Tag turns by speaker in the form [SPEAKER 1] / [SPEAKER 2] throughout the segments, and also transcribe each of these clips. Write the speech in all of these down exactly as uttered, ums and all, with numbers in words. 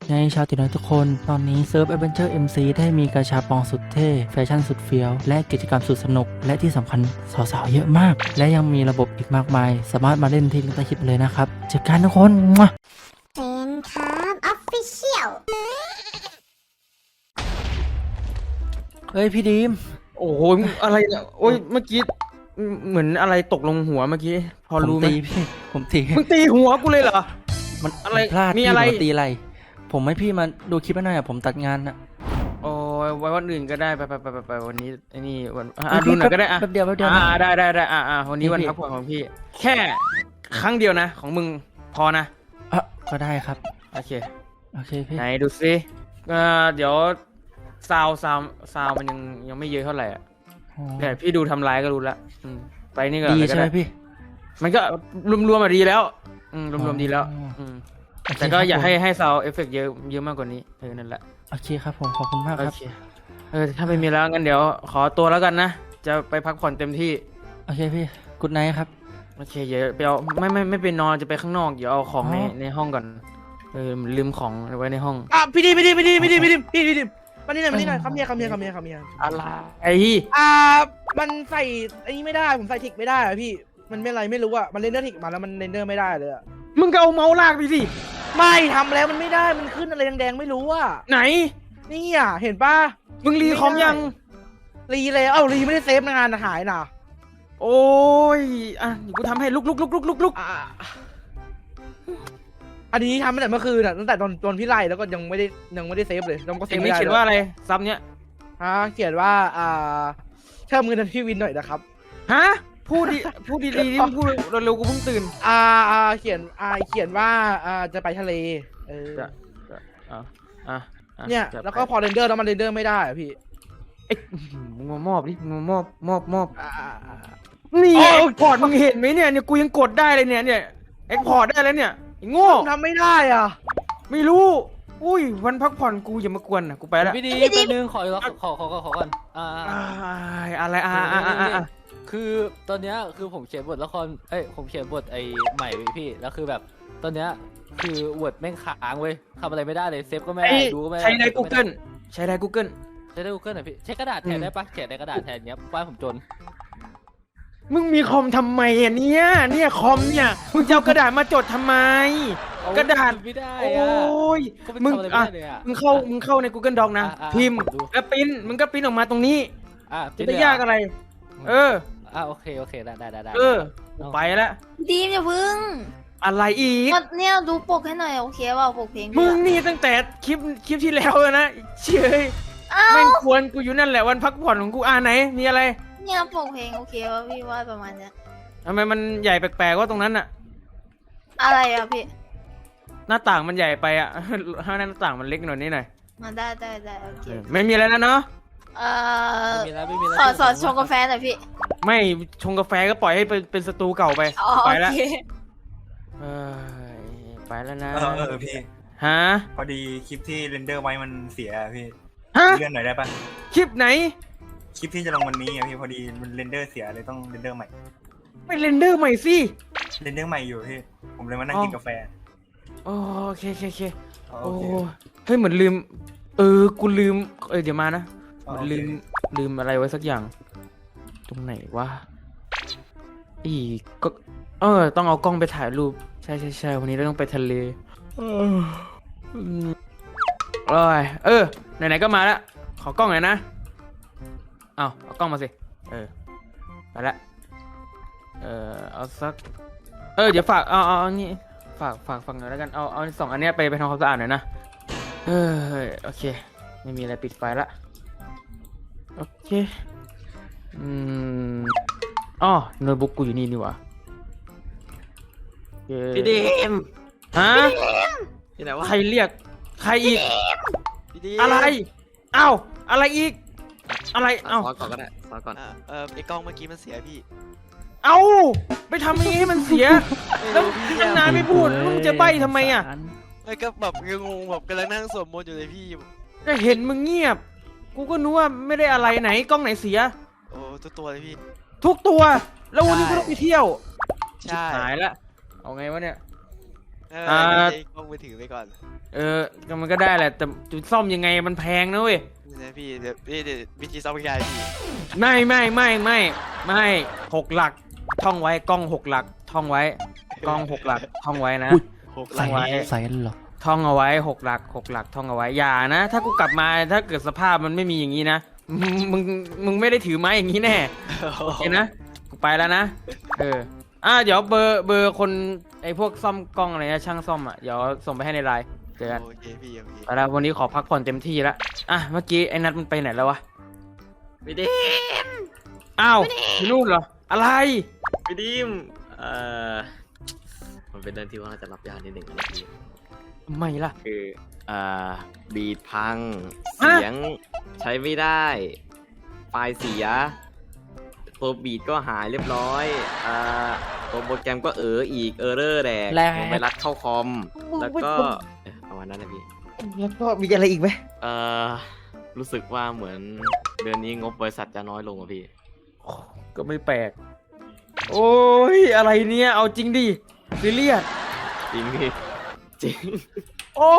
[SPEAKER 1] ไงชาวติน้อยทุกคนตอนนี้เซิร์ฟ Adventure เอ็ม ซี ได้มีกาชาปองสุดเท่แฟชั่นสุดเฟี้ยวและกิจกรรมสุดสนุกและที่สำคัญสาวๆเยอะมากและยังมีระบบอีกมากมายสามารถมาเล่นที่ลิงก์ใต้คลิปเลยนะครับเจอกันทุกคนมั่ว
[SPEAKER 2] เซนครับออฟฟิเชียล
[SPEAKER 1] เฮ้ยพี่ดีม
[SPEAKER 3] โอ้โหอะไรเนี่ยโอ้ยเมื่อกี้เหมือนอะไรตกลงหัวเมื่อกี้พอ
[SPEAKER 1] ผม
[SPEAKER 3] รู้ไหม
[SPEAKER 1] ตีพี่ผมตี
[SPEAKER 3] มึงตีหัวกูเลยเหรอ
[SPEAKER 1] มัน
[SPEAKER 3] อะไร
[SPEAKER 1] พลาด
[SPEAKER 3] มี
[SPEAKER 1] พี่
[SPEAKER 3] อะไร
[SPEAKER 1] ผมตีอะไร ผมให้พี่มาดูคลิปหน่อยอะผมตัดงานอะ
[SPEAKER 3] โอ้ยไว้วันอื่นก็ได้ไปไปไปไปไปวันนี้ไอ้นี่วัน
[SPEAKER 1] เฮ้
[SPEAKER 3] อ่ะ
[SPEAKER 1] ย
[SPEAKER 3] ดู
[SPEAKER 1] พี่
[SPEAKER 3] หน่อยก็ได้อ่ะ
[SPEAKER 1] แป๊บเดียวแป๊บเดียว
[SPEAKER 3] อ่าได้ได้ได้อ่ะอ่ะวันนี้
[SPEAKER 1] พี่
[SPEAKER 3] วัน
[SPEAKER 1] พี่
[SPEAKER 3] พักผ่อนของพี่ แค่ครั้งเดียวนะ ของมึงพอนะ
[SPEAKER 1] อ่ะก็ได้ครับ
[SPEAKER 3] โอเค
[SPEAKER 1] โอเคพี่
[SPEAKER 3] ไหนดูซิเอ่อเดี๋ยวซาวซาวซาวมันยังยังไม่เยอะเท่าไหร่อ่ะ
[SPEAKER 1] อ๋อ
[SPEAKER 3] เนี่ยพี่ดูทำลายก็รู้ละอืมไปนี่ก็
[SPEAKER 1] ดี
[SPEAKER 3] อะไรก็
[SPEAKER 1] ใช่ไหม
[SPEAKER 3] ได้
[SPEAKER 1] พี่
[SPEAKER 3] มันก็รวมๆมาดีแล้วอืมรวมๆดีแล้ว
[SPEAKER 1] อ๋ออื
[SPEAKER 3] ม
[SPEAKER 1] โอเค
[SPEAKER 3] แต่ก็อย่า
[SPEAKER 1] ครับผม
[SPEAKER 3] ให้ให้ซาวเอฟเฟกต์เยอะเยอะมากกว่านี้เออนั่นแหละ
[SPEAKER 1] โอเคครับผมขอบคุณมาก
[SPEAKER 3] โอ
[SPEAKER 1] ครับ
[SPEAKER 3] เคเออถ้าไม่มีแล้วงั้นเดี๋ยวขอตัวแล้วกันนะจะไปพักผ่อนเต็มที่
[SPEAKER 1] โอเคพี่กุดไนท์ครับ
[SPEAKER 3] โอเคเดี๋ยวไปเอาไม่ไม่ไม่ไปนอนจะไปข้างนอกเดี๋ยวเอาของใน
[SPEAKER 1] อ๋อ
[SPEAKER 3] ในห้องก่อนเออลืมของไว้ในห้อง
[SPEAKER 4] อ่ะพี่ดิมพี่ดิมพี่ดิมพี่ดิมพี่ดิมพี่ดิมมานี่หน่อยมานี่หน่อยคำเมียคำเมียคำเมียคำเมีย
[SPEAKER 3] อะไรไอ้
[SPEAKER 4] อ่ามันใส่ไอ้นี้ไม่ได้ผมใส่ทิกไม่ได้อะพี่มันไม่อะไรไม่รู้อะมันเรนเดอร์ทิกมาแล้วมันเรนเดอร์ไม่ได้เลยอะ
[SPEAKER 3] มึงก็เอาเมาส์ลากไปสิ
[SPEAKER 4] ไม่ทำแล้วมันไม่ได้มันขึ้นอะไรแดงๆไม่รู้อะ
[SPEAKER 3] ไหน
[SPEAKER 4] นี่อ่ะเห็นปะ
[SPEAKER 3] มึงรีคอมยัง
[SPEAKER 4] รีเลยเอ้ารีไม่ได้เซฟงานหายน่ะ
[SPEAKER 3] โอ้ยอ่ะเดี๋ยวกูทำให้ลุกลุกลุกลุกลุกลุก
[SPEAKER 4] อ่ะอันนี้ทำตั้งแต่เมื่อคืนอะตั้งแต่ตอนตอนพี่ไล่แล้วก็ยังไม่ได้ยังไม่ได้เซฟเลยแล้วก็เซ
[SPEAKER 3] เอ็
[SPEAKER 4] ฟ
[SPEAKER 3] ง
[SPEAKER 4] ไม่
[SPEAKER 3] นี่
[SPEAKER 4] ได้
[SPEAKER 3] เขียนว่าอะไรซับเนี้ย
[SPEAKER 4] ฮะเขียนว่าอ่าเพิ่มเงินพี่วินหน่อยนะครับ
[SPEAKER 3] ฮะพูดดิพูดดีๆที่มึงพูดเร็วๆกูเพิ่งตื่น
[SPEAKER 4] อ่าอ่าเขียนอ่าเขียนว่าอ่าจะไปทะเลเออ
[SPEAKER 3] จะจะอ่ะอ่ะอ่ะ
[SPEAKER 4] เนี่ย
[SPEAKER 3] จะ
[SPEAKER 4] แล้วก็
[SPEAKER 3] ไป
[SPEAKER 4] พอเรนเดอร์แล้วมันเรนเดอร์ไม่ได้อะพี่
[SPEAKER 3] เอ้ยมึงมามอบดิมึงมามอบมอบมอบ
[SPEAKER 4] อ่าอ่าอ่า
[SPEAKER 3] นี่
[SPEAKER 4] โอ้
[SPEAKER 3] เอ็กพอร์ตมึงเห็นไหมเนี่ยเนี่ยกูยังกดได้เลยเนี่ยเนี่ยเอ็กพอร์ตได้แล้วเนี่ยไอ้โง่
[SPEAKER 4] ผมทำไม่ได้อ่ะ
[SPEAKER 3] ไม่รู้อุ้ยวันพักผ่อนกูอย่ามากวนนะกูไปแล้ว
[SPEAKER 5] พี่ดีแป๊บนึงขอขอขอขอขอขอก่อนอ่า
[SPEAKER 3] อ้ายอะไรอ่าอ่าอ่าอ่าอ่า
[SPEAKER 5] คือตอนเนี้ยคือผมเขียนบทละครเอ้ยผมเขียนบทไอ้ใหม่ไว้พี่แล้วคือแบบตอนเนี้ยคือวอร์ดแม่งค้างเว้ยทำอะไรไม่ได้เลยเซฟก็ไม่
[SPEAKER 3] ไอ้
[SPEAKER 5] ได้ดูก็ไม่ได้
[SPEAKER 3] ใช้ได้ Google ใช้ได้ Google
[SPEAKER 5] ใช้ได้ Google หน่อยพี่ใช้กระดาษแทนได้ปะเขียนในกระดาษแทนเนี้ยบ้านผมจน
[SPEAKER 3] มึงมีคอมทำไมอ่ะเนี่ยเนี่ยคอมเนี่ยมึงจะเอากระดาษมาจดทำไม กระดาษ
[SPEAKER 5] ไม่ได้
[SPEAKER 3] โอ้
[SPEAKER 5] อะ
[SPEAKER 3] ย
[SPEAKER 5] ก็
[SPEAKER 3] มึ
[SPEAKER 5] มึ
[SPEAKER 3] ง
[SPEAKER 5] งทำอะไร
[SPEAKER 3] อ่ะ
[SPEAKER 5] ไม่ได้เลยอะ
[SPEAKER 3] มึงเข้ามึงเข้าใน Google Doc นะ
[SPEAKER 5] อ่ะอ่ะ
[SPEAKER 3] พิมพ์
[SPEAKER 5] ผมดู
[SPEAKER 3] แล้วปริ้นมึงก็ปริ้นออกมาตรงนี้
[SPEAKER 5] อ่ะ
[SPEAKER 3] จะได้ยากอะไร เออ
[SPEAKER 5] อ่ะโอเคโอเคได้ได้ได้ได้
[SPEAKER 3] เออกูไปแล้ว
[SPEAKER 6] ดีมอย่าพึ่ง
[SPEAKER 3] อะไรอีก
[SPEAKER 6] ก็เนี่ยดูปกให้หน่อยโอเคว่าปกเพลง
[SPEAKER 3] มึง
[SPEAKER 6] พี่
[SPEAKER 3] นี่ตั้งแต่คลิปคลิปที่แล้วแล้วนะเชย
[SPEAKER 6] อ้า
[SPEAKER 3] ไม่
[SPEAKER 6] ว
[SPEAKER 3] ควรกูอยู่นั่นแหละวันพักผ่อนของกูอ่าไหนมีอะไร
[SPEAKER 6] เนี่ยปกเพลงโอเคว่าพี่ว่าประมาณเนี้ย
[SPEAKER 3] ทำไมมันใหญ่แปลกๆว่าตรงนั้นอะ
[SPEAKER 6] อะไรอะพี่
[SPEAKER 3] หน้าต่างมันใหญ่ไปอะ ให้หน้าต่างมันเล็กหน่อยนิดหน่อย
[SPEAKER 6] มาได้ได้ได้โอเค
[SPEAKER 3] เออไม่มีอะไรแล้วเนาะ
[SPEAKER 6] เอ่อ
[SPEAKER 5] ไม่มีแล้วไม่มีแล้ว
[SPEAKER 6] สอดสอดชงกาแฟหน่อยพี่
[SPEAKER 3] ไม่ชงกาแฟก็ปล่อยให้เป็นเป็นสตูเก่าไป
[SPEAKER 6] อ๋อ
[SPEAKER 3] ไป
[SPEAKER 6] โอ
[SPEAKER 3] แล้ว
[SPEAKER 6] เค
[SPEAKER 3] เอ้ยไปแล้วนะ
[SPEAKER 7] เออเออพี่
[SPEAKER 3] ฮะ
[SPEAKER 7] พอดีคลิปที่เรนเดอร์ไว้มันเสียอะพี่
[SPEAKER 3] ฮะ
[SPEAKER 7] เลื่อนหน่อยได้ปะ
[SPEAKER 3] คลิปไหน
[SPEAKER 7] คลิปที่จะลงวันนี้อะพี่พอดีมันเรนเดอร์เสียเลยต้องเรนเดอร์ใหม่
[SPEAKER 3] ไม่เรนเดอร์ใหม่สิ
[SPEAKER 7] เรนเดอร์ใหม่อยู่พี่ผมเลยมานั่ง
[SPEAKER 3] อ๋อ
[SPEAKER 7] กินกาแฟ
[SPEAKER 3] โอเคโอเคโอเค
[SPEAKER 7] อ๋อ
[SPEAKER 3] โอ้
[SPEAKER 7] โอเค
[SPEAKER 3] เฮ้ยเหมือนลืม เออกูลืมเออเดี๋ยวมานะ
[SPEAKER 7] อ๋อ
[SPEAKER 3] มัน
[SPEAKER 7] โอเค
[SPEAKER 3] ลืมลืมอะไรไว้สักอย่าง ตรงไหนวะอีก็เออต้องเอากล้องไปถ่ายรูปใช่ใช่ใช่วันนี้เราต้องไปทะเลเอออืมโอ้ยเออไหนๆก็มาแล้วขอกล้องหน่อยนะเอาเอากล้องมาสิเออไปละเออเอาสักเออเดี๋ยวฝากเอาเอาเอานี่ฝากฝากฝากหน่อยแล้วกันเอาเอาสองอันเนี้ยไปไปทำความสะอาดหน่อยนะเออโอเคไม่มีอะไรปิดไฟละโอเคอืมอ๋อโน้ตบุ๊กกูอยู่นี่นี่หว่าโอเค
[SPEAKER 8] พี่ดีม
[SPEAKER 3] ฮะ
[SPEAKER 8] ที่ไหนวะ
[SPEAKER 3] ใครเรียกใครอีก
[SPEAKER 8] พี่ดีม
[SPEAKER 3] อะไรเอ้าอะไรอีก อะไรเอ้า
[SPEAKER 8] ซอก่อนก็ได้ซอก่อนอ่ะเออไอ้กล้องเมื่อกี้มันเสียพี่
[SPEAKER 3] เอ้าไปทำอย่างนี้ให้มันเสีย แล้วตั้งนานไม่พูดแล้วมึงจะใบ้ทำไมอ่ะ
[SPEAKER 8] ไม่ก็แบบงงๆแบบกำลังนั่งสวดมนต์อยู่เลยพี่
[SPEAKER 3] ก็เห็นมึงเงียบ กูก็นึกว่าไม่ได้อะไรไหนกล้องไหนเสีย
[SPEAKER 8] โอ้ตัวตัวเลยพี่
[SPEAKER 3] ทุกตัว แล้ววันนี้กูต้องไปเที่ยว
[SPEAKER 8] ใช่
[SPEAKER 3] หายละเอาไงวะเนี่ย
[SPEAKER 8] เออ
[SPEAKER 3] อ่า
[SPEAKER 8] ใช้กล้องมือถือไปก่อน
[SPEAKER 3] เออก็มันก็ได้แหละ แต่จะซ่อมยังไงมันแพงนะเว้ย
[SPEAKER 8] นี่นะพี่เดี๋ยวพี่เดี๋ยววิธีซ่อมง่ายพี่
[SPEAKER 3] ไม่ไม่ไม่ไม่ไม่หกหลักท่องไว้กล้องหกหลักท่องไว้กล้องหกหลักท่องไว้นะ
[SPEAKER 1] อุ๊ย
[SPEAKER 8] หกห
[SPEAKER 1] ใส่
[SPEAKER 8] ลัก
[SPEAKER 3] ไว้
[SPEAKER 1] ใส่กันเหรอ
[SPEAKER 3] ท่องเอาไว้หกหลักหกหลักท่องเอาไว้อย่านะ ถ้ากูกลับมาถ้าเกิดสภาพมันไม่มีอย่างนี้นะมึงมึงมึงไม่ได้ถือไม้อย่างนี้แน่โอเคนะกูไปแล้วนะเอออ่ะเดี๋ยวเบอร์เบอร์คนไอ้พวกซ่อมกล้องอะไรนะช่างซ่อมอ่ะเดี๋ยวส่งไปให้ในไลน์เจอกัน
[SPEAKER 8] โอเคพี่โอเค
[SPEAKER 3] ไปแล้ววันนี้ขอพักผ่อนเต็มที่แล้วอ่ะเมื่อกี้ไอ้นัทมันไปไหนแล้ววะ
[SPEAKER 9] พี่ดิม
[SPEAKER 3] อ้าวอยู่นู่นเหรออะไร
[SPEAKER 9] พี่ดิมเอ่อมันเป็นเรื่องที่ว่าจะรับยากนิดหนึ่งนะพี่
[SPEAKER 3] ทำไมล่ะ
[SPEAKER 9] คือเอ่อบีดพัง
[SPEAKER 3] ฮะ
[SPEAKER 9] เสียงใช้ไม่ได้ ไฟล์เสีย ตัวบีดก็หายเรียบร้อยเอ่อตัวโปรแกรมก็เอออีกเออร์เรอร์แดก
[SPEAKER 1] แล้ว
[SPEAKER 9] ผมไปรัดเข้าคอม แล้วก็เอ่อประมาณนั้นนะพี่
[SPEAKER 4] แล้วก็มีอะไรอีกไหม
[SPEAKER 9] เอ่อ รู้สึกว่าเหมือนเดือนนี้งบบริษัทจะน้อยลงอ่ะพี่
[SPEAKER 3] ก็ไม่แปลกโอ้ยอะไรเนี่ยเอาจริงดิซีเรียส
[SPEAKER 9] จริงพี่ จริง
[SPEAKER 3] โอ้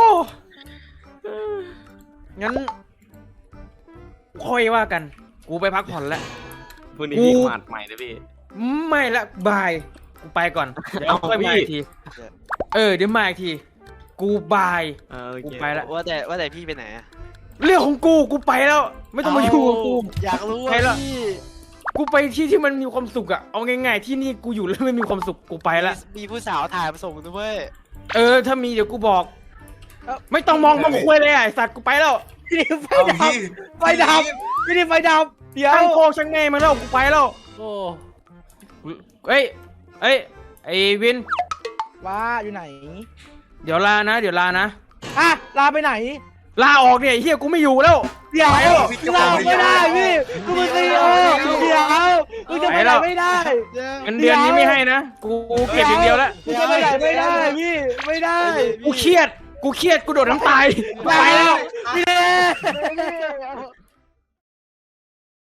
[SPEAKER 3] งั้นค่อยว่ากัน กูไปพักผ่อนแล้ว
[SPEAKER 9] พรุ่งนี้
[SPEAKER 3] กู
[SPEAKER 9] พี่มาดใหม่นะพี่
[SPEAKER 3] ไม่ละบาย กูไปก่อน เดี๋ยว
[SPEAKER 9] เอา
[SPEAKER 3] ค่อยมา
[SPEAKER 9] พี่
[SPEAKER 3] อีกที เออ เดี๋ยวมาอีกที กูบาย
[SPEAKER 9] เออโอ
[SPEAKER 3] กู
[SPEAKER 9] เค
[SPEAKER 3] ไปละ
[SPEAKER 8] ว่าแต่ว่าแต่พี่ไปไหนอะ
[SPEAKER 3] เรื่องของกู กูไปแล้ว ไม่ต้องมาอยู่กับกู
[SPEAKER 8] อยากรู้
[SPEAKER 3] ไป
[SPEAKER 8] ว่า
[SPEAKER 3] ละ
[SPEAKER 8] พี่
[SPEAKER 3] กูไปที่ที่มันมีความสุขอะเอาง่ายๆที่นี่กูอยู่แล้วไม่มีความสุข กูไปละ
[SPEAKER 8] มีผู้สาวถ่ายมาส่งด้วย
[SPEAKER 3] เออ ถ้ามีเดี๋ยวกูบอก ไม่ต้องมองมาคุยเลยอ่ะไอ้สัตว์กูไปแล้ว
[SPEAKER 4] พี่ไฟ
[SPEAKER 7] เอา
[SPEAKER 4] ดับ
[SPEAKER 7] พี่
[SPEAKER 4] ไฟดับพี่ดิไฟดับเดี๋ยว
[SPEAKER 3] ช่างโคกช่างแม่มาแล้วกูไปแล้ว
[SPEAKER 5] โอ้
[SPEAKER 3] เอ้ย เอ้ย ไอ้วิน
[SPEAKER 4] ว่าอยู่ไหน
[SPEAKER 3] เดี๋ยวลานะ เดี๋ยวลานะ
[SPEAKER 4] อ่ะลาไปไหน
[SPEAKER 3] ลาออกเนี่ยไอ้เฮียกูไม่อยู่แล้ว
[SPEAKER 4] เดี๋ยว
[SPEAKER 3] ไปแล้ว
[SPEAKER 4] ลาไม่ได้พี่กูมึงตีโอเดี๋ยวมึงจะไปไหนไม่ได้
[SPEAKER 3] เงินเดือนนี้ไม่ให้นะ กูเก็บอย่างเดียวแล้ว
[SPEAKER 4] มึงจะไปไหนไม่ได้พี่ไม่ได้
[SPEAKER 3] กูเครียด กูเครียด กูโดดน้ำตาย ไปแล้ว
[SPEAKER 4] พี่เด้